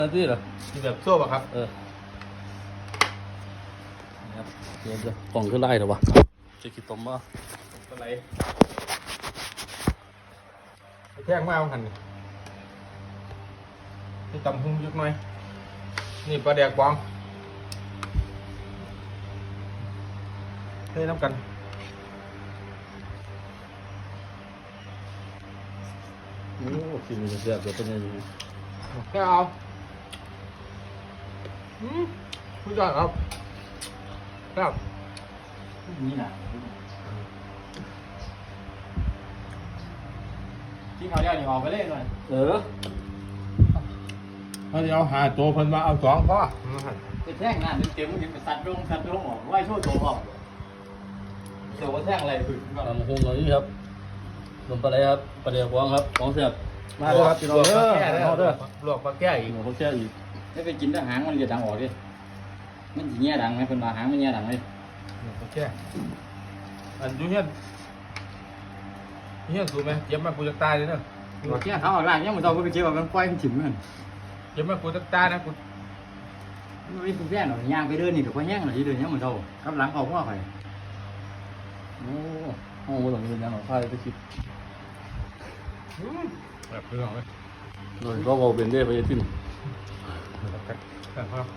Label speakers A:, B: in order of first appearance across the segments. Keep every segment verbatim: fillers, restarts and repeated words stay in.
A: นี่เหรอ
B: มีแบบโซ่ป่ะครับ
A: เออครับเดี๋ยวจะกล่องขึ้นไล่เหรอวะจะคิดต้มว่า
B: อะไรแท่งมาเอาหันนี่นี่ตำหุ้งยุกหน่อยนี่ปลาแดกบองเฮ้ยน้ำกัน
A: โอ้กินมันจะแซ่บเดี๋ยวเป็นยังไง
B: แค่เอาอืมคุณจอดครับครับ
C: นี่นะที่เขาเรียกนี่ออกไปเล่นหน่อย
A: เออ
B: ถ้าจะเอาหาตัวเพิ่นมาเอาสองพ่อ
C: จะแท่งหน้าเต็มๆมันจะสัตว์ลงสัตว์ลงออกไหวช่วยตัวออกเดี๋ยวว่าแท่งอะไรพึ่งก็
A: ทำคงอย่างนี้ครับขนมปลาไหลครับปลาเดียวกวางครับของแซ่บมาเลยครับพี่น้อง
B: ลวก
A: เด้
B: ปลา
A: อ
B: แก้
A: เอาเด้อ
B: ลวกปลาแก้อีก
A: หนูเขาแช่อีก
C: ได้ไปกินแล้วหางมันจะดังออกดิมันจะเงี้ยดังไหมคนมาหางมันเงี้ยดังเลย
B: ลวกปลาแก้อันอยูเฮียนเฮียนสูงไหมเจ็บมากกูจะตายเลยเนอะ
C: ตัวเงี้ยเขาออกล่างเงี้ยมันโตก็ไปเจ็บแบบมันปล่อยมันถิ่มมัน
B: เจ็บมากกูจะตายนะกู
C: มันไม่คุ้มแย่หรอกย่างไปเดินนี่เดี๋ยวพอแย่งหน่อยที่เดินเงี้ยมันโตกับหลังเขาพ่อใคร
A: โอ้ห้องบนหลังเป็นยังหรอพายไปคิด
B: แบบเพื่อนไหม
A: โดยก็บอกเป็นได้ไปทิ้ง
B: แต่ครับ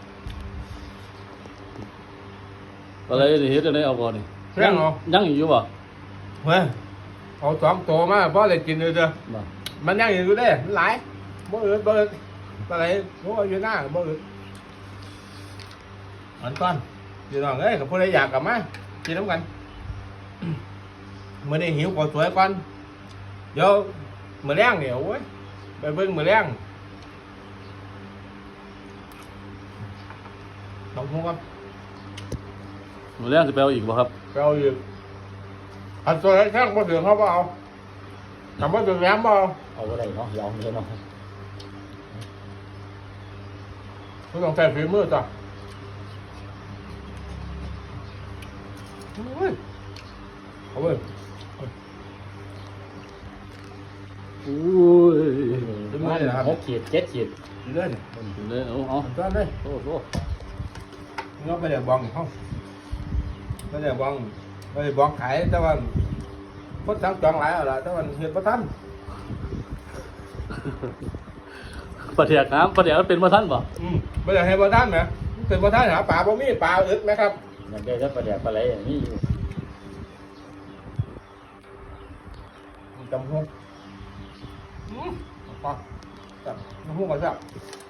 A: อะไรนี่เฮ็ดอะไรเอาก่อนนี่
B: เรื่องเอา
A: ยังอยู่ป่ะ
B: เฮ้ยเอาสองตัวมาเพราะอะไรกินเลยเด้อ
A: บ่
B: มันยังอยู่ได้มันหลายบ่อื่นบ่อื่นอะไรบ่อยู่หน้าบ่อื่นอันก่อนพี่น้องเอ้ยกับผู้ใดอยากกลับมากินน้ำกันมื้อนี้หิวข้าวสวยก่อนเดี๋ยวมื้อแรงเดี๋ยวโอ้ยไปเบิ่งมื้อแรงต้องพูดครับ
A: หนูแรกจะไปเอาอีกบ่ครับ
B: ไปเอาอีกอันตัวแรกบ่ถึงเขาบ่เอาทำบ่ถึงแรงบ่เอา
C: เอาอะไรเนาะยอมเลยเนาะ
B: คุณต้องใช้ฝีมือจ้ะโอ้ยเอาเว้ย
A: โอ้ย
B: ฝีมือเลยนะครับ
C: หกขีดเจ็ดขีด
B: ดีเลยเนี่ย
A: เลยเอาเอา
B: ทำต้นเลย
A: โอ้โห
B: งอกไปเดี๋ยวบองเขาไปเดี๋ยวบองไปเดี๋ยวบองขายแต่ว่าคนสั่งจองหลายเอาละแต่ว่าเห็นประทัน
A: ปลาเดียกน้ำปลาเดียกมันเป็นมาท่านบ่
B: อืมไปเดี๋ยวให้ประทันไหมเป็นประทันหาปลาบ่มีปลาอึดไหมครับ
C: อยากได้ก็ปลาแดกปลาไหลอย่างนี้อยู่
B: จำหุ้งอืมเอาปลาจับน้ำหุ้งก่อนจับ